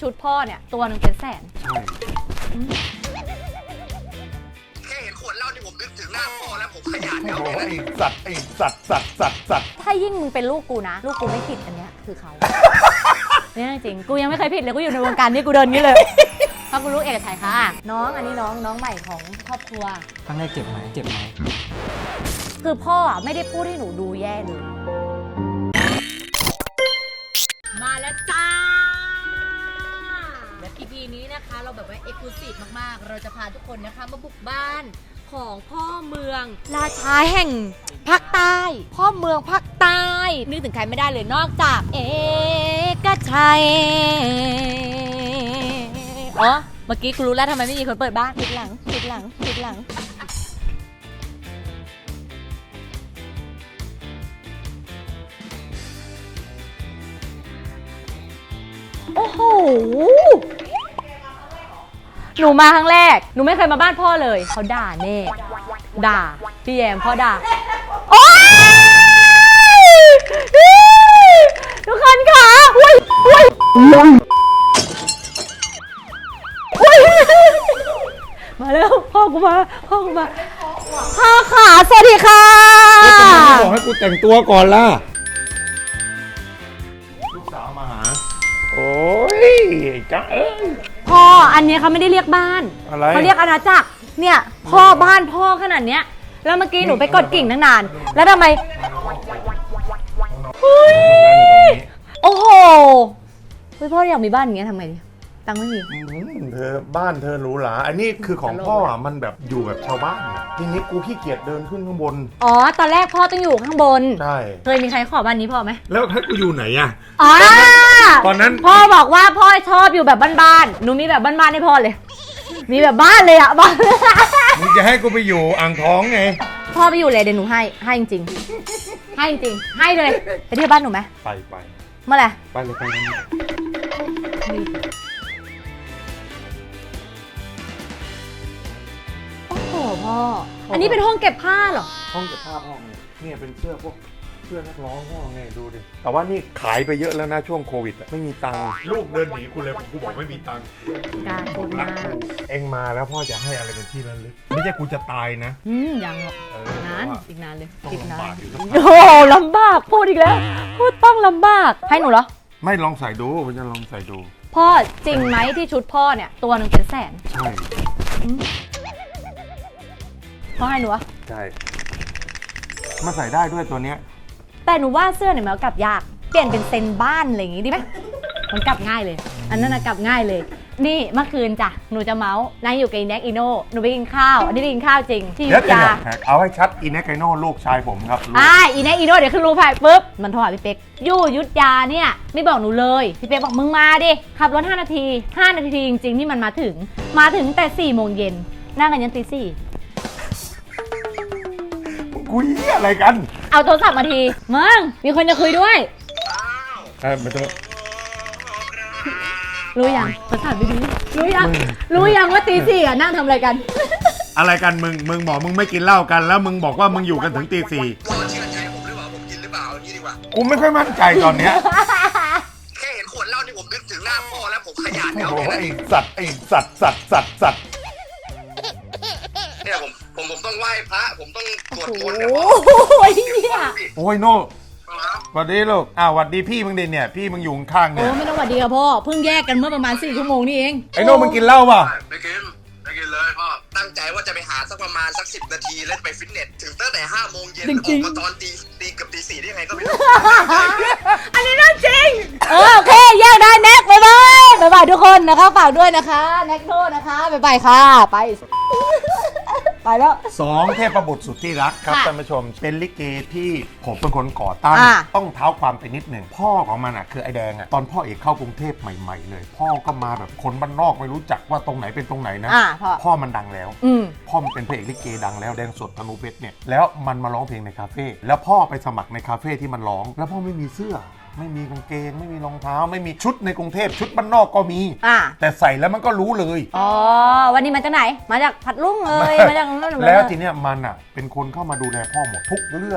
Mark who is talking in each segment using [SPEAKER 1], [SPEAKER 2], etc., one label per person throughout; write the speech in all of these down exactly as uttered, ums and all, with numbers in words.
[SPEAKER 1] ชุดพ่อเนี่ยตัวหนึ่งเป็นแสน
[SPEAKER 2] ใช่แค่เห็นขวดเหล้านี่ผมนึกถึงหน้าพ่อแล้วผมขยันแล้วไอ้สัตว์ไอ้สัตว์สัตว์สัตว์สัตว์
[SPEAKER 1] ถ้ายิ่งมึงเป็นลูกกูนะลูกกูไม่ผิดอันเนี้ยคือเขาเนี่ยจริงกูยังไม่เคยผิดเลยกูอยู่ในวงการนี้กูเดินงี้เลยเพราะกูรู้เอกชัยค่ะน้องอันนี้น้องน้องใหม่ของครอบครัว
[SPEAKER 3] ครั้งแรกเจ็บไหมเจ็บไหม
[SPEAKER 1] คือพ่ออ่ะไม่ได้พูดให้หนูดูแย่เลยมาแล้วจ้าและ อี พี นี้นะคะเราแบบว่าเอ็กซ์คลูซีฟมากๆเราจะพาทุกคนนะคะมาบุกบ้านของพ่อเมืองราชาแห่งภาคใต้พ่อเมืองภาคใต้นึกถึงใครไม่ได้เลยนอกจากเอกชัยอ๋อเมื่อกี้กูรู้แล้วทำไมไม่มีคนเปิดบ้านปิดหลังปิดหลังปิดหลังโอ้โหหนูมาครั้งแรกหนูไม่เคยมาบ้านพ่อเลยเขาด่าแน่ด่าพี่แยมพ่อด่าโอ๊ยทุกคนค่ะอุ้ยอุ้ยอุ้ยมาแล้วพ่อกูมาพ่อกูมาพ่อขาสวัสดีค่ะ
[SPEAKER 2] ทำไมไม่บอกให้กูแต่งตัวก่อนล่ะลูกสาวมาหาโอ้ยจ้าเอ้ย
[SPEAKER 1] พ่ออันนี้เขาไม่ได้เรียกบ้านเขาเรียกอาณาจักรเนี่ยพ่อบ้านพ่อขนาดเนี้ยแล้วเมื่อกี้หนูไปกดกิ่งตั้งนานแล้วทำไมโอ้โหพ่ออยากมีบ้านอย่างเงี้ยทำไงดีตังค์ไม่มี
[SPEAKER 2] เธอบ้านเธอหรูหราอันนี้คือของพ่ออ่ะมันแบบอยู่แบบชาวบ้านทีนี้กูขี้เกียจเดินขึ้นข้างบน
[SPEAKER 1] อ๋อตอนแรกพ่อต้องอยู่ข้างบน
[SPEAKER 2] ใช่
[SPEAKER 1] เคยมีใครขอบ้านนี้พ่อไหม
[SPEAKER 2] แล้วให้กูอยู่ไหนอ่ะ
[SPEAKER 1] อ๋อ
[SPEAKER 2] ตอนนั้น
[SPEAKER 1] พ่อบอกว่าพ่อชอบอยู่แบบบ้านๆหนูมีแบบบ้านๆให้พ่อเลยมีแบบบ้านเลยอ่ะบ้าน
[SPEAKER 2] มึงจะให้กูไปอยู่อ่างทองไง
[SPEAKER 1] พ่อไปอยู่เลยเดี๋ยวหนูให้ให้จริงๆให้จริงๆให้เลยไปเที่ยวบ้านหนูไหม
[SPEAKER 2] ไปไป
[SPEAKER 1] เมื่อไหร่
[SPEAKER 2] ไปเลยไปเลย
[SPEAKER 1] โอ้โหพ่ออันนี้เป็นห้องเก็บผ้าเหรอ
[SPEAKER 2] ห้องเก็บผ้าพ่อไงเนี่ยเป็นเสื้อพวกเสื้อนักร้องพ่อไงดูดิแต่ว่านี่ขายไปเยอะแล้วนะช่วงโควิดไม่มีตังค์ลูกเดินหนีกูเลยกูบอกไม่มีตังค์
[SPEAKER 1] การพูดมาก
[SPEAKER 2] เอ็งมาแล้วพ่อจะให้อะไรเป็นที่ระลึกไม่ใช่กูจะตายนะ
[SPEAKER 1] อืมยังหรอกนานอีกนานเลยอีกนาน
[SPEAKER 2] โ
[SPEAKER 1] อ้ลำบากพูดอีกแล้วพูดต้องลำบากให้หนูเหรอ
[SPEAKER 2] ไม่ลองใส่ดูผมจะลองใส่ดู
[SPEAKER 1] พ่อจริงไหมที่ชุดพ่อเนี่ยตัวหนึ่งเป็นแสน
[SPEAKER 2] ใช่
[SPEAKER 1] พ่อให้หนูวะ
[SPEAKER 2] ใช่มาใส่ได้ด้วยตัวเนี้ย
[SPEAKER 1] แต่หนูว่าเสื้อเนี่ยมันกลับยากเปลี่ยนเป็นเซนบ้านอะไรอย่างงี้ดีไหมมันกลับง่ายเลยอันนั้นกลับง่ายเลยนี่เมื่อคืนจ้ะหนูจะเมาส์นางอยู่กับอีแน็กอีโน่หนูไปกินข้าวอันนี้ไปกินข้าวจริงที่ยุธยา
[SPEAKER 2] เอาให้ชัดอีแน็กอีโน่ลูกชายผมครับ
[SPEAKER 1] อ่าอีแน็กอีโน่เดี๋ยวขึ้นรูปถ่ายปุ๊บมันโทรหาพี่เป๊กยู่ยุธยาเนี่ยไม่บอกหนูเลยพี่เป๊กบอกมึงมาดิขับรถห้านาทีห้านาทีจริงๆที่มันมาถึงมาถึงแต่สี่โมงเย็นนั่งกันยันตีสี่
[SPEAKER 2] คุยอะไรกัน
[SPEAKER 1] เอาโทรศัพท์มาทีมึงมีคนจะคุยด้วย
[SPEAKER 2] เออไม่ต้อง
[SPEAKER 1] รู้ยังโทรศัพท์ไปดูรู้ยังรู้ยังว่าตีสี่อ่ะนั่งทำอะไรกัน
[SPEAKER 2] อะไรกันมึงมึงบอกมึงไม่กินเหล้ากันแล้วมึงบอกว่ามึงอยู่กันถึงตีสี่รอเชื่อใจผมหรือเปล่าผมกินหรือเปล่าอย่างนี้ดีกว่ากูไม่ค่อยมั่นใจตอนเนี้ยแค่เห็นขวดเหล้านี่ผมนึกถึงหน้าพ่อแล้วผมขยันแล้วไอ้สัตว์ไอ้สัตว์สัตว์สัตว์สัตว์เนี่ยผมผมผมต้องไหว้พระผมต้องสวดมนต์กับพ่อโอ้ยเนี่ยโอ้ยโน่สวัสดีลูกอ้าวสวัสดีพี่มึงดิเนี่ยพี่มึงอยู่ข้างเนี่ย
[SPEAKER 1] โอ้ไม่ต้องสวัสดีครับพ่อเพิ่งแยกกันเมื่อประมาณสี่ชั่วโมงนี่เอง
[SPEAKER 2] ไอ้โน่มึงกินเหล้าป่ะไม่กินไม่กินเลยพ่อตั้งใจว่าจะไปหาสักประมาณสักสิบนาทีเล่นไปฟิตเนสถึงตั้งแต่ห้าโมงเย็นออกมาตอนตีตีกับตีสี่ได้ไงก็ไม่รู้
[SPEAKER 1] อันนี้น่าจริงเออโอเคแยกได้แน็กบ๊ายบายบ๊ายบายทุกคนนะคะฝากด้วยนะคะแน็กโน่นะคะบ๊ายบายค่ะไปไปแล้ว
[SPEAKER 2] สองเทพบุตรสุดที่รักครับท่านผู้ชมเป็นลิเกที่ผมเป็นคนก่อตั้งต้องเท้าความไปนิดหนึ่งพ่อของมันอ่ะคือไอแดงอ่ะตอนพ่อเอกเข้ากรุงเทพใหม่ๆเลยพ่อก็มาแบบคนบ้านนอกไม่รู้จักว่าตรงไหนเป็นตรงไหนนะพ่อมันดังแล้วพ่อมันเป็นพระเอกลิเกดังแล้วแดงสดธนูเพชรเนี่ยแล้วมันมาร้องเพลงในคาเฟ่แล้วพ่อไปสมัครในคาเฟ่ที่มันร้องแล้วพ่อไม่มีเสื้อไม่มีกางเกงไม่มีรองเท้าไม่มีชุดในกรุงเทพชุดบ้านนอกก็มีแต่ใส่แล้วมันก็รู้เลย
[SPEAKER 1] อ๋อวันนี้มาจากไหนมาจากพัดลุ่งเลยมาจาก
[SPEAKER 2] แล้วทีเนี้ยมันอ่ะเป็นคนเข้ามาดูแลพ่อหมดทุกเรื่อง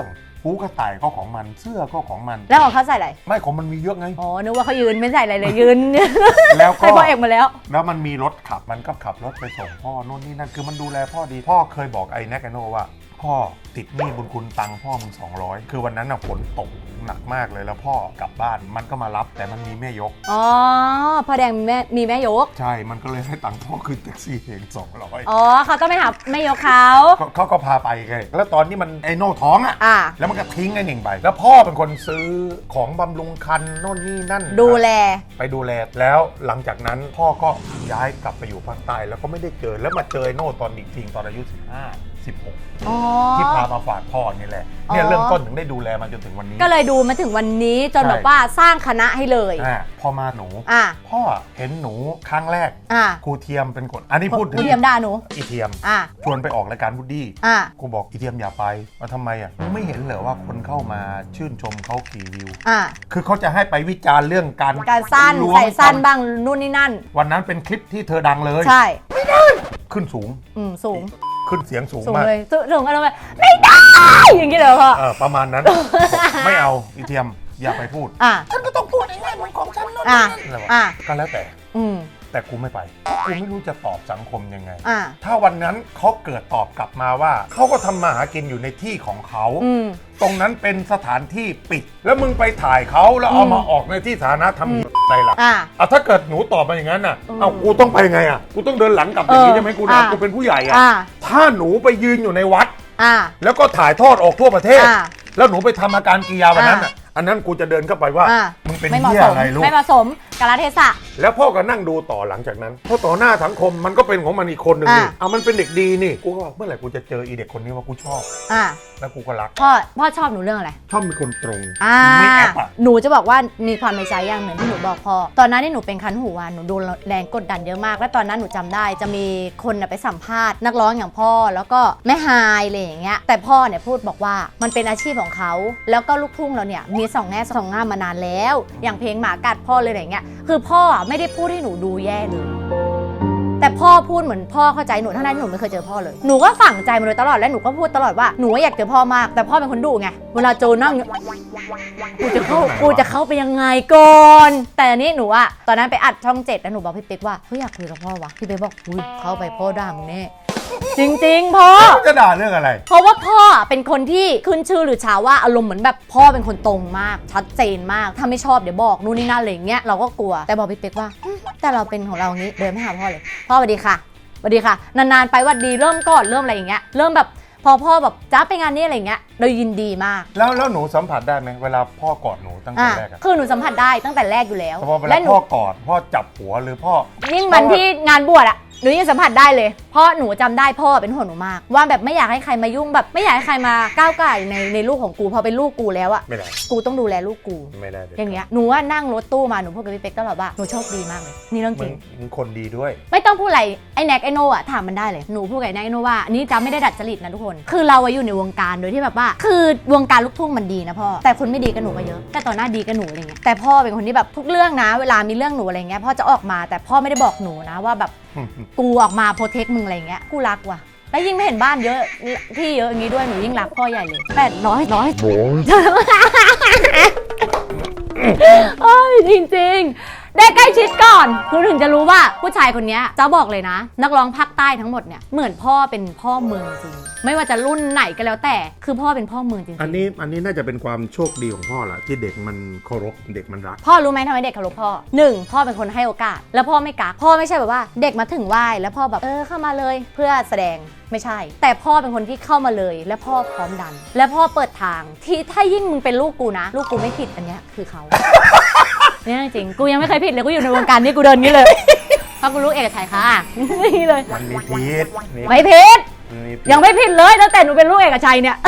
[SPEAKER 2] หูกระต่ายก็ของมันเสื้อก็ของมัน
[SPEAKER 1] แล้วของเขาใส่อะไร
[SPEAKER 2] ไม่ของมันมีเยอะไง
[SPEAKER 1] อ๋อนึกว่าเขายืนไม่ใส่อะไรเลยยืน
[SPEAKER 2] แล้วก็
[SPEAKER 1] ให้พ่อเอกมาแล้ว
[SPEAKER 2] แล้วมันมีรถขับมันก็ขับรถไปส่งพ่อโน่นนี่นั่นคือมันดูแลพ่อดีพ่อเคยบอกไอ้แน็กไอโน่ว่าพ่อติดหนี้บุญคุณตังค์พ่อมึงสองร้อยคือวันนั้นน่ะฝนตกหนักมากเลยแล้วพ่อกลับบ้านมันก็มารับแต่มันมีแม่ยก
[SPEAKER 1] อ๋อพ่อแดงมีแม่มีแม่ยก
[SPEAKER 2] ใช่มันก็เลยให้ตังค์พ่อขึ้นแท็กซี่เองสองร้อย
[SPEAKER 1] อ๋อเขาต้องไปหาแม่ยกเขา
[SPEAKER 2] เขาก็พาไปไงแล้วตอนนี้มันไอโน่ท้องอ่ะแล้วมันก็ทิ้งไอ้หนึ่งไปแล้วพ่อเป็นคนซื้อของบำรุงคันโน่นนี่นั่น
[SPEAKER 1] ดูแล
[SPEAKER 2] ไปดูแลแล้วหลังจากนั้นพ่อก็ย้ายกลับไปอยู่ภาคใต้แล้วก็ไม่ได้เจอแล้วมาเจอไอโน่ตอนอีกทีตอนอายุสิบห้าสิบหกที่พามาฝากพ่อนี่แหละเนี่ยเริ่มต้นถึงได้ดูแลมาจนถึงวันนี้
[SPEAKER 1] ก็เลยดูมาถึงวันนี้จนแบบว่าสร้างคณะให้เลย
[SPEAKER 2] อ่าพอมาหนูพ่อเห็นหนูครั้งแรกครูเทียมเป็นคนอันนี้พูดถึง
[SPEAKER 1] ครูเทียมด่าหนู
[SPEAKER 2] อีเทียมชวนไปออกรายการวูดดี้กูบอกอีเทียมอย่าไปมาทำไมอ่ะไม่เห็นเหรอว่าคนเข้ามาชื่นชมเขากี่วิวคือเขาจะให้ไปวิจารณ์เรื่องการ
[SPEAKER 1] การสั้นใส่สั้นบ้างนู่นนี่นั่น
[SPEAKER 2] วันนั้นเป็นคลิปที่เธอดังเลย
[SPEAKER 1] ใช่
[SPEAKER 2] ไม่ได้ขึ้นสูง
[SPEAKER 1] อืมสูง
[SPEAKER 2] ขึ้นเสียงสูงมาก
[SPEAKER 1] เลยสูงอะไรแบบไม่ได้อย่างนี้เหรอพ่อ
[SPEAKER 2] ประมาณนั้นไม่เอาอีเทียมอย่าไปพูดฉันก็ต้องพูดง่ายๆเหมือนของฉันนั่นนั่นก็แล้วแต่แต่กูไม่ไปกูไม่รู้จะตอบสังคมยังไงถ้าวันนั้นเขาเกิดตอบกลับมาว่าเขาก็ทำมาหากินอยู่ในที่ของเขาตรงนั้นเป็นสถานที่ปิดแล้วมึงไปถ่ายเขาแล้วเอามาออกในที่สาธารณะทำอะไรล่ะอ่ะถ้าเกิดหนูตอบมาอย่างนั้นน่ะเอากูต้องไปไงอ่ะกูต้องเดินหลังกลับอย่างนี้ใช่ไหมกูนะกูเป็นผู้ใหญ่อ่ะถ้าหนูไปยืนอยู่ในวัดแล้วก็ถ่ายทอดออกทั่วประเทศแล้วหนูไปทำอาการกิริยาวันนั้นอ่ะอันนั้นกูจะเดินเข้าไปว่ามึงเป็นเหี้ยอะไรลูก
[SPEAKER 1] ไม่เหมาะสมกาลเทศะ
[SPEAKER 2] แล้วพ่อก็นั่งดูต่อหลังจากนั้นเพราะต่อหน้าสังคมมันก็เป็นของมันอีกคนหนึ่งนี่เอามันเป็นเด็กดีนี่กูก็เมื่อไหร่กูจะเจออีเด็กคนนี้ว่ากูชอบอ่าแล้วกูก็รัก
[SPEAKER 1] พ่อพ่อชอบหนูเรื่องอะไร
[SPEAKER 2] ชอบมีคนตรง
[SPEAKER 1] ไม่แอบอ่ะหนูจะบอกว่ามีความในใจอย่างหนึ่งที่หนูบอกพ่อตอนนั้นที่หนูเป็นคันหูหนูโดนแรงกดดันเยอะมากและตอนนั้นหนูจำได้จะมีคนไปสัมภาษณ์นักร้องอย่างพ่อแล้วก็แม่ฮายอะไรอย่างเงี้ยแต่พ่อเนี่ยพูดบอกว่ามันเป็นอาชีพของเขาแล้วก็ลูกทุ่งเราเนี่ยมีสองแง่สองงามมานานแล้วอย่างเพลงหมากัดพ่อเลยอะไรเงี้ยคือพ่อไม่ได้พูดให้หนูดูแย่เลยแต่พ่อพูดเหมือนพ่อเข้าใจหนูทั้งนั้นที่หนูไม่เคยเจอพ่อเลยหนูก็ฝังใจมาโดยตลอดและหนูก็พูดตลอดว่าหนูอยากเจอพ่อมากแต่พ่อเป็นคนดุไงเวลาโจนั่งกูจะเข้ากูจะเข้าไปยังไงก่อนแต่อันนี้หนูอะตอนนั้นไปอัดช่องเจ็ดแล้วหนูบอกพี่เป๊กว่าเฮ้ยอยากคุยกับพ่อวะพี่เป๊กบอกอุ้ยเข้าไปพ่อด่ามึงแน่จริงๆพ่อ
[SPEAKER 2] จะด่าเรื่องอะไร
[SPEAKER 1] เพราะว่าพ่อเป็นคนที่ขึ้นชื่อหรือชาว่าอารมณ์เหมือนแบบพ่อเป็นคนตรงมากชัดเจนมากถ้าไม่ชอบเดี๋ยวบอกนู่นนี่นั่นอะไรอย่างเงี้ยเราก็กลัวแต่บอกพี่เป๊กว่าแต่เราเป็นของเราอย่างนี้เดินไปหาพ่อเลยพ่อสวัสดีค่ะสวัสดีค่ะนานๆไปวัดดีเริ่มก่อนเริ่มอะไรอย่างเงี้ยเริ่มแบบพอพ่อแบบจ้าไปงานนี้อะไรเงี้ยเรายินดีมาก
[SPEAKER 2] แล้วแล้วหนูสัมผัสได้ไหมเวลาพ่อกอดหนูตั้งแต่แรก
[SPEAKER 1] คือหนูสัมผัสได้ตั้งแต่แรกอยู่แล้ว
[SPEAKER 2] และพ่อกอดพ่อจับหัวหรือพ่อ
[SPEAKER 1] ยิ่งมันที่งานบวชอะหนูยังสัมผัสได้เลยเพราะหนูจำได้พ่อเป็นห่วงหนูมากว่าแบบไม่อยากให้ใครมายุ่งแบบไม่อยากให้ใครมาก้าวไก่ในในลูกของกูพอเป็นลูกกูแล้วอะ
[SPEAKER 2] ไม่ได้
[SPEAKER 1] กูต้องดูแลลูกกู
[SPEAKER 2] ไม่ได้
[SPEAKER 1] อย่างเงี้ยหนูว่านั่งรถตู้มาหนูพูดกับพี่เป๊กตลอดว่าหนูโชคดีมากเลยนี่เรื่องจริง
[SPEAKER 2] มึงคนดีด้วย
[SPEAKER 1] ไม่ต้องพูดอะไรไอ้แน็กไอ้โน่อะถามมันได้เลยหนูพูดกับไอ้แน็กไอ้โน่ว่านี่จำไม่ได้ดัดจริตนะทุกคนคือเราอยู่ในวงการโดยที่แบบว่าคือวงการลูกทุ่งมันดีนะพ่อแต่คนไม่ดีกับหนูก็เยอะแต่ตอนหน้าดีกับหนูอะไรเงี้ยแต่พ่อเป็นคนที่แบบทุกเรื่องนะเวลามีเรื่องหนูอะไรเงี้ยพ่อจะออกมาแต่พ่อไม่ได้บอกหนูนะว่าแบบกูออกมาโปรเทคมึงอะไรเงี้ยกูรักว่ะแล้วยิ่งไม่เห็นบ้านเยอะที่เยอะอย่างนี้ด้วยหนูยิ่งรักพ่อใหญ่เลยแปดร้อยร้อยโอ้ยจริงๆได้ใกล้ชิดก่อนคุณถึงจะรู้ว่าผู้ชายคนนี้จะบอกเลยนะนักร้องภาคใต้ทั้งหมดเนี่ยเหมือนพ่อเป็นพ่อเมืองจริงไม่ว่าจะรุ่นไหนก็แล้วแต่คือพ่อเป็นพ่อเมืองจริง
[SPEAKER 2] อันนี้อันนี้น่าจะเป็นความโชคดีของพ่อแหละที่เด็กมันเคารพเด็กมันรัก
[SPEAKER 1] พ่อรู้ไหมทำไมเด็กเคารพพ่อหนึ่งพ่อเป็นคนให้โอกาสแล้วพ่อไม่กักพ่อไม่ใช่แบบว่าเด็กมาถึงไหว้แล้วพ่อแบบเออเข้ามาเลยเพื่อแสดงไม่ใช่แต่พ่อเป็นคนที่เข้ามาเลยและพ่อพร้อมดันและพ่อเปิดทางที่ถ้ายิ่งมึงเป็นลูกกูนะลูกกูไม่ผิดอันเนี้ยคือเขาเนี่ยจริงกูยังไม่เคยผิดเลยกูอยู่ในวงการนี้กูเดินนี้เลยเพราะกูรู้เอกชัยค่ะนี่เลย
[SPEAKER 2] มันมีผิด
[SPEAKER 1] ไม่ผิดยังไม่ผิดเลยตั้งแต่หนูเป็นลูกเอกชัยเนี่ย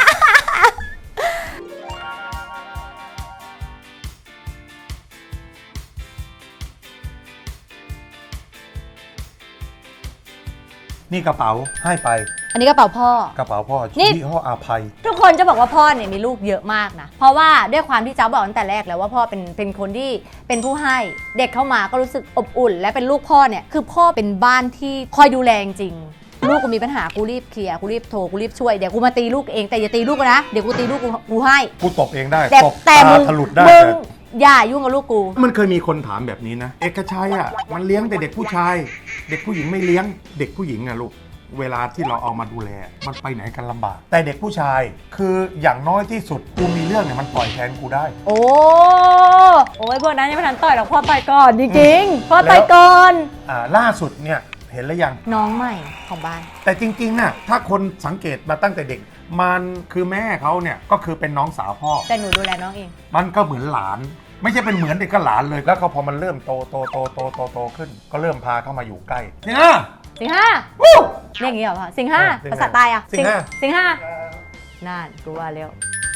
[SPEAKER 2] นี่กระเป๋าให้ไป
[SPEAKER 1] อันนี้กระเป๋าพ่อก
[SPEAKER 2] ระเป๋าพ่อยี่ห้ออาภัย
[SPEAKER 1] ทุกคนจะบอกว่าพ่อเนี่ยมีลูกเยอะมากนะเพราะว่าด้วยความที่จ้าบอกตั้งแต่แรกแล้วว่าพ่อเป็นเป็นคนที่เป็นผู้ให้เด็กเข้ามาก็รู้สึกอบอุ่นและเป็นลูกพ่อเนี่ยคือพ่อเป็นบ้านที่คอยดูแลจริงลูกกูมีปัญหากูรีบเคลียร์กูรีบโทรกูรีบช่วยเดี๋ยวกูมาตีลูกเองแต่อย่าตีลูกกูนะเดี๋ยวกูตีลูกกูกูให้
[SPEAKER 2] กูตบเองได้
[SPEAKER 1] แต่
[SPEAKER 2] ตบ
[SPEAKER 1] แต่
[SPEAKER 2] ตา
[SPEAKER 1] มึง
[SPEAKER 2] ถลุดได้
[SPEAKER 1] มึง
[SPEAKER 2] แต่
[SPEAKER 1] อย่ายุ่งกับลูกกู
[SPEAKER 2] มันเคยมีคนถามแบบนี้นะ เอกชัยอ่ะมันเลี้ยงแต่เด็กผู้ชาย เด็กผู้หญิงไม่เลี้ยง เด็กผู้หญิงอ่ะลูกเวลาที่เราเอามาดูแลมันไปไหนกันลำบาก แต่เด็กผู้ชายคืออย่างน้อยที่สุดกูมีเรื่องเนี่ยมันปล่อยแทนกูได้
[SPEAKER 1] โอ้โอ้ยพวกนั้นยังไม่ทันต่อยหรอกพ่อต่อยก่อนจริงๆพ่อต่อยก่อน
[SPEAKER 2] อ่าล่าสุดเนี่ยเห็นแล้วยัง
[SPEAKER 1] น้องใหม่ของบ้าน
[SPEAKER 2] แต่จริงๆน่ะถ้าคนสังเกตมาตั้งแต่เด็ก มันคือแม่เขาเนี่ยก็คือเป็นน้องสาวพ่อ
[SPEAKER 1] แต่หนูดูแลน้องเอง
[SPEAKER 2] มันก็เหมือนหลาน ไม่ใช่เป็นเหมือนเด็กก็หลานเลย แล้วก็พอมันเริ่มโตโตโตโตโตโตขึ้น ก็เริ่มพาเข้ามาอยู่ใกล้เนี่ย
[SPEAKER 1] สิงห้าเรียกอย่างนี้เหรอพ่อสิงห้า
[SPEAKER 2] เออสิงห้า
[SPEAKER 1] ภาษาใต้อะ
[SPEAKER 2] สิงห้า
[SPEAKER 1] สิงห้าน่านกูว่าแล้ว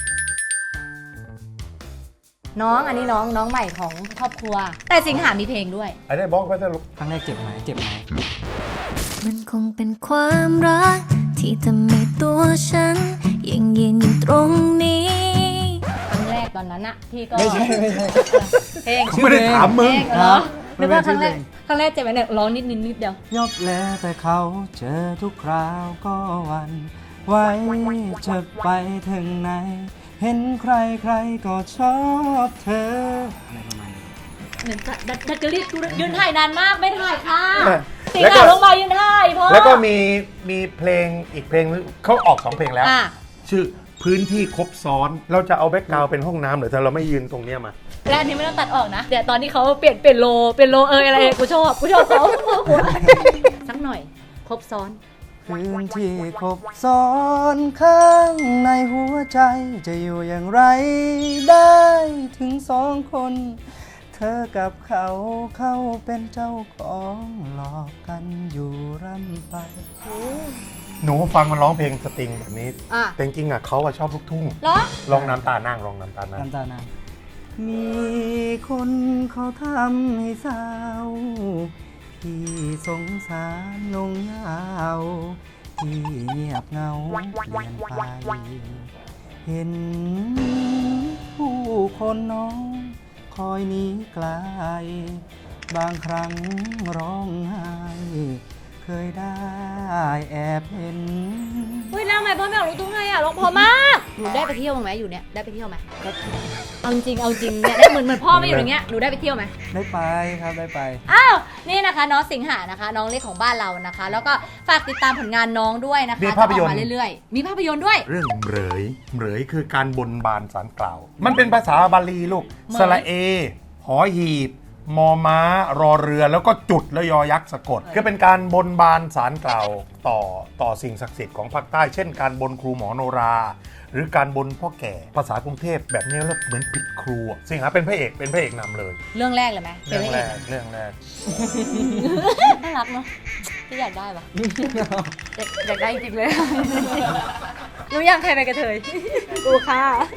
[SPEAKER 1] น้องอันนี้น้องน้องใหม่ของครอบครัว แต่สิงหามีเพลงด้วย
[SPEAKER 2] ไอ้ได้บอกไว้จะลูก
[SPEAKER 3] ครั้งแรกเจ็บไหมเจ็บไหม
[SPEAKER 4] มันคงเป็นความรักที่ทำให้ตัวฉันยังยืนอยู่ตรงนี้
[SPEAKER 1] ครั้งแรกตอนนั้นอะพี่ก็
[SPEAKER 3] ไม่ใช่ไม่ใช่
[SPEAKER 1] เพลง
[SPEAKER 2] ไม่ได้ถามมึง
[SPEAKER 1] เพลงเหรอ
[SPEAKER 3] ไม่
[SPEAKER 1] นึก
[SPEAKER 3] เป็น
[SPEAKER 1] ว่าครั้งแรก
[SPEAKER 3] เพลง
[SPEAKER 1] ครั้งแรกเจ็บไหมเนี่ยร้องนิดนิดนิดเดียวย
[SPEAKER 3] อบแล้วแต่เขาเจอทุกคราวก็หวันไว้จะไปถึงไหน เห็นใครใครก็ชอบเธออะไรประมาณนี้
[SPEAKER 1] เหมือนจะดัดดัดจริตกูยืนถ่ายนานมากไม่ถ่ายค่ะ
[SPEAKER 2] เออ
[SPEAKER 1] สิง
[SPEAKER 2] แล้วก็
[SPEAKER 1] หาลงมายืนถ่ายพ่อ
[SPEAKER 2] แล้วก็มีมีเพลงอีกเพลงนึงเขาออกสองเพลงแล้ว
[SPEAKER 1] อ่ะ
[SPEAKER 2] ชื่อพื้นที่ครบซ้อน เราจะเอาแบ็กกราวด์เป็นห้องน้ำหรือถ้าเราไม่ยืนตรงเนี้ยมา
[SPEAKER 1] และอันนี้ไม่ต้องตัดออกนะเดี๋ยวตอนที่เขาเปลี่ยนเปลี่ยนโลเปลี่ยนโลเอยอะไรกูชอบกูชอบเขาสักหน่อยครบซ้อน
[SPEAKER 3] พื้นที่ครบซ้อนข้างในหัวใจจะอยู่อย่างไรได้ถึงสองคน เธอกับเขาเข้าเป็นเจ้าของหลอกกันอยู่ร่ำไป
[SPEAKER 2] หนูฟังมันร้องเพลงสตริงแบบนี้
[SPEAKER 1] อ่ะ
[SPEAKER 2] แต่จริงๆอ่ะเขาอะชอบลูกทุ่ง
[SPEAKER 1] เหรอ
[SPEAKER 2] ลองน้ำตานั่งลองน้ำตานั่ง
[SPEAKER 3] น้ำตาหน้ามีคนเขาทำให้เศร้าที่สงสารนงเหงาที่เงียบเหงาเปลี่ยนไป เห็นผู้คนน้องคอยหนีไกล บางครั้งร้องไห้ เคยได้แอบเห็น
[SPEAKER 1] เฮ้ยแล้วทำไมพ่อไม่เอาลูกทุ่งให้อ่ะร้องเพอมาก หนูได้ไปเที่ยวบ้างไหมอยู่เนี่ยได้ไปเที่ยวไหมเอาจริงเอาจริงเนี่ยได้เหมือนเหมือนพ่อไม่อยู่อย่างเงี้ยหนูได้ไปเที่ยวไหม
[SPEAKER 3] ได้ไปครับได้ไป
[SPEAKER 1] อ้าวนี่นะคะน้องสิงหานะคะ น้องเล็กของบ้านเรานะคะ แล้วก็ฝากติดตามผลงานน้องด้วยนะคะ
[SPEAKER 2] มีภาพยนตร์
[SPEAKER 1] จะออกมาเรื่อยๆมีภาพยนตร์ด้วย
[SPEAKER 2] เรื่องเหมยเหมยคือการบนบานสารกล่าว มันเป็นภาษาบาลีลูก
[SPEAKER 1] เหมย
[SPEAKER 2] สระเอ หอหีบ มอม้ารอเรือแล้วก็จุดแล้วยอยักษ์สะกดก็เป็นการบนบานสารกล่าวต่อต่อสิ่งศักดิ์สิทธิ์ของภาคใต้ เช่นการบนครูหมอโนรา หรือการบนพ่อแก่ภาษากรุงเทพแบบนี้แล้วเหมือนผิดครูอะสิงหาเป็นพระเอกเป็นพระเอกนำเลย
[SPEAKER 1] เรื่องแรกเลยไหมป็
[SPEAKER 2] เรื่
[SPEAKER 1] น
[SPEAKER 2] อง
[SPEAKER 1] พะ
[SPEAKER 2] แร
[SPEAKER 1] เก
[SPEAKER 2] กเรื่องแรก
[SPEAKER 1] น่ารักเนาะพี่อยากได้ปะอยากอยากได้จริงเลยรู้ยังใครไปนกระเทยกูค่ะ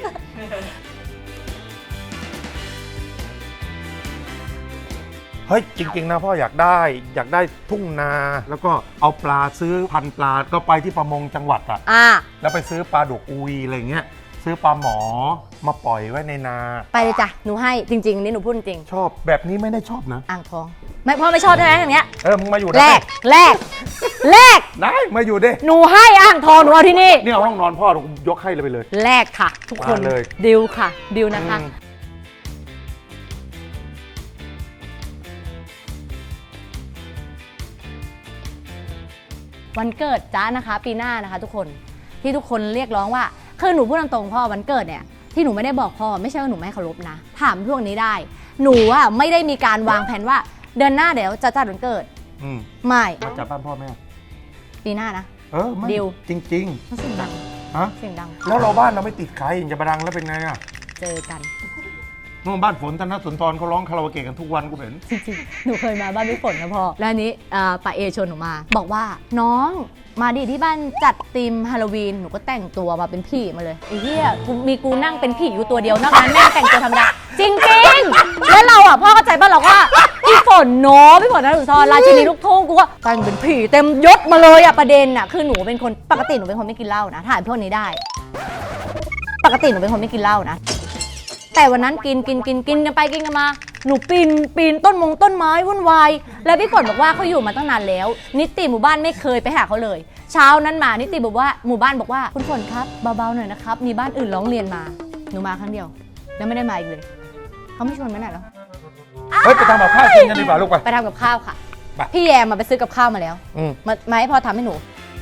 [SPEAKER 2] เฮ้ยจริงๆนะพ่ออยากได้อยากได้ทุ่งนา แล้วก็เอาปลาซื้อพันธุ์ปลาก็ไปที่ประมงจังหวัดอะ
[SPEAKER 1] อ่า
[SPEAKER 2] แล้วไปซื้อปลาดุกอุยอะไรเงี้ยซื้อปลาหมอมาปล่อยไว้ในนา
[SPEAKER 1] ไปเลยจ้ะหนูให้จริงๆนี่หนูพูดจริง
[SPEAKER 2] ชอบแบบนี้ไม่ได้ชอบนะ
[SPEAKER 1] อ่างทองไม่พ่อไม่ชอบใช่ไหมอย่างเนี้ย
[SPEAKER 2] เออมึงมาอยู่
[SPEAKER 1] แล
[SPEAKER 2] ได้
[SPEAKER 1] กแลกแลก
[SPEAKER 2] ได้มาอยู่ดิ
[SPEAKER 1] หนูให้อ่างทองหนูเอาที่นี่
[SPEAKER 2] นี่เอาห้องนอนพ่อผมยกให้เลยไปเลย
[SPEAKER 1] แลกค่ะ ทุกคน
[SPEAKER 2] มาเลย
[SPEAKER 1] ดิวค่ะดิวนะคะ
[SPEAKER 2] อืม
[SPEAKER 1] วันเกิดจ้านะคะ ปีหน้านะคะทุกคนที่ทุกคนเรียกร้องว่าคือหนูพูดตรงๆพ่อวันเกิดเนี่ยที่หนูไม่ได้บอกพ่อไม่ใช่ว่าหนูไม่เคารพนะถามพวกนี้ได้ หนูอะไม่ได้มีการวางแผนว่าเดือนหน้าเดี๋ยวจะจัดวันเกิด
[SPEAKER 2] อืม
[SPEAKER 1] ไม่
[SPEAKER 2] มาจากบ้านพ่อแม่
[SPEAKER 1] ปีหน้านะ
[SPEAKER 2] เออไม่
[SPEAKER 1] ดิว
[SPEAKER 2] จริง
[SPEAKER 1] เพราะเสียงดัง
[SPEAKER 2] ๆฮะ
[SPEAKER 1] เสียงดัง
[SPEAKER 2] แล้วเราบ้านเราไม่ติดใครจะมาดังแล้วเป็นไงอะ
[SPEAKER 1] เจอกัน
[SPEAKER 2] นู่นบ้านฝนธนสุนทรเขาร้องคาราโอเกะกันทุกวันกูเห็น
[SPEAKER 1] จริงๆหนูเคยมาบ้านพี่ฝนนะพ่อแล้วอันนี้อ่าป้าเอชวนหนูมา บอกว่าน้องมาดิที่บ้านจัดธีมฮาโลวีนหนูก็แต่งตัวมาเป็นผีมาเลยไอ้เหี้ยกูมีกูนั่งเป็นผีอยู่ตัวเดียวนอกนั้นแม่งแต่งตัวธรรมดาจริงๆแล้วเราอ่ะพ่อเข้าใจป่ะเราว่าพี่ฝนเนาะพี่ฝนธนสุนทรราชินีลูกทุ่งกูก็แต่งเป็นผีเต็มยศมาเลยอ่ะประเด็นอ่ะคือหนูเป็นคนปกติหนูเป็นคนไม่กินเหล้านะถ่ายพวกนี้ได้ ปกติหนูเป็นคนไม่กินเหล้านะแต่วันนั้นกินกินกินกินกันไปกินกันมาหนูปีนปีนต้นมงต้นไม้วุ่นวายแล้วพี่ฝนบอกว่าเขาอยู่มาตั้งนานแล้วนิติหมู่บ้านไม่เคยไปหาเขาเลยเช้านั้นมานิติบอกว่าหมู่บ้านบอกว่าคุณฝนครับเบาๆหน่อยนะครับมีบ้านอื่นร้องเรียนมาหนูมาครั้งเดียวแล้วไม่ได้มาอีกเลยเขาไม่ชวนไปไหนหรอ
[SPEAKER 2] เฮ้ยไปทำกับข้าวกินกันดีกว่าลูกไป
[SPEAKER 1] ไปทำกับข้าวค่ะ
[SPEAKER 2] ไป
[SPEAKER 1] พี่แยมมาไปซื้อกับข้าวมาแล้ว
[SPEAKER 2] อืม
[SPEAKER 1] มามาให้พ่อทำให้หนู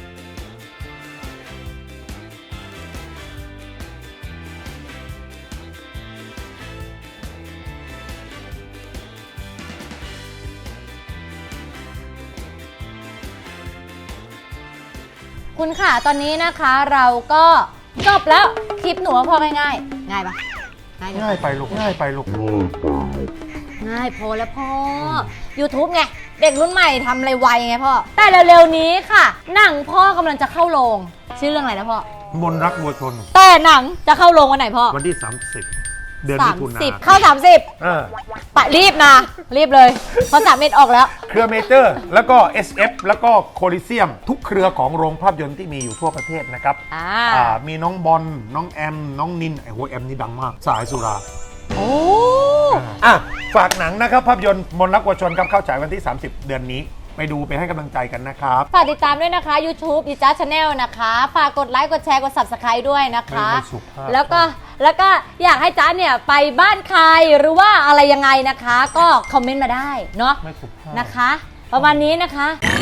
[SPEAKER 1] คุณค่ะตอนนี้นะคะเราก็จบแล้วคลิปหนูว่าพอง่ายๆง่ายปะง่ายเลย
[SPEAKER 2] ง่ายไปลูกง่ายไปลูก
[SPEAKER 1] ง่ายพอแล้วพ่อ YouTube ไงเด็กรุ่นใหม่ทำอะไรไวไงพ่อแต่เร็วๆนี้ค่ะหนังพ่อกำลังจะเข้าโรงชื่อเรื่องอะไรนะพ่อ
[SPEAKER 2] มนรักวัวชน
[SPEAKER 1] แต่หนังจะเข้าโรงวันไหนพ่อ
[SPEAKER 2] วันที่สามสิบเดือนมิ
[SPEAKER 1] สาม
[SPEAKER 2] ถุนา
[SPEAKER 1] สิบเข้าสามสิบ
[SPEAKER 2] เออ
[SPEAKER 1] ปะรีบนะรีบเลยเพราะสามเม็ดออกแล้ว
[SPEAKER 2] เครือเมเจอร์ แล้วก็ เอส เอฟ แล้วก็โคลิเซียม ทุกเครือของโรงภาพยนตร์ที่มีอยู่ทั่วประเทศนะครับ
[SPEAKER 1] อ่า
[SPEAKER 2] อ่ามีน้องบอลน้องแอม น้องนินไอ้โหแอมนี่ดังมาก สายสุรา
[SPEAKER 1] โอ้
[SPEAKER 2] อ่ะฝากหนังนะครับ ภาพยนตร์มนต์รักวัวชนครับเข้าฉายวันที่ สามสิบ เดือนนี้ ไปดูไปให้กำลังใจกันนะครับ
[SPEAKER 1] ฝากติดตามด้วยนะคะ YouTube ดิจ้าชาแนลนะคะฝากกดไลค์กดแชร์กด Subscribe ด้วยนะคะ
[SPEAKER 2] ไม่ไม่สุภาพ
[SPEAKER 1] แล้วก็แล้วก็อยากให้จ้าเนี่ยไปบ้านใครหรือว่าอะไรยังไงนะคะ ก็คอมเมนต์มาได้เนาะ
[SPEAKER 2] ไม่สุภาพ
[SPEAKER 1] นะคะ ประมาณนี้นะคะ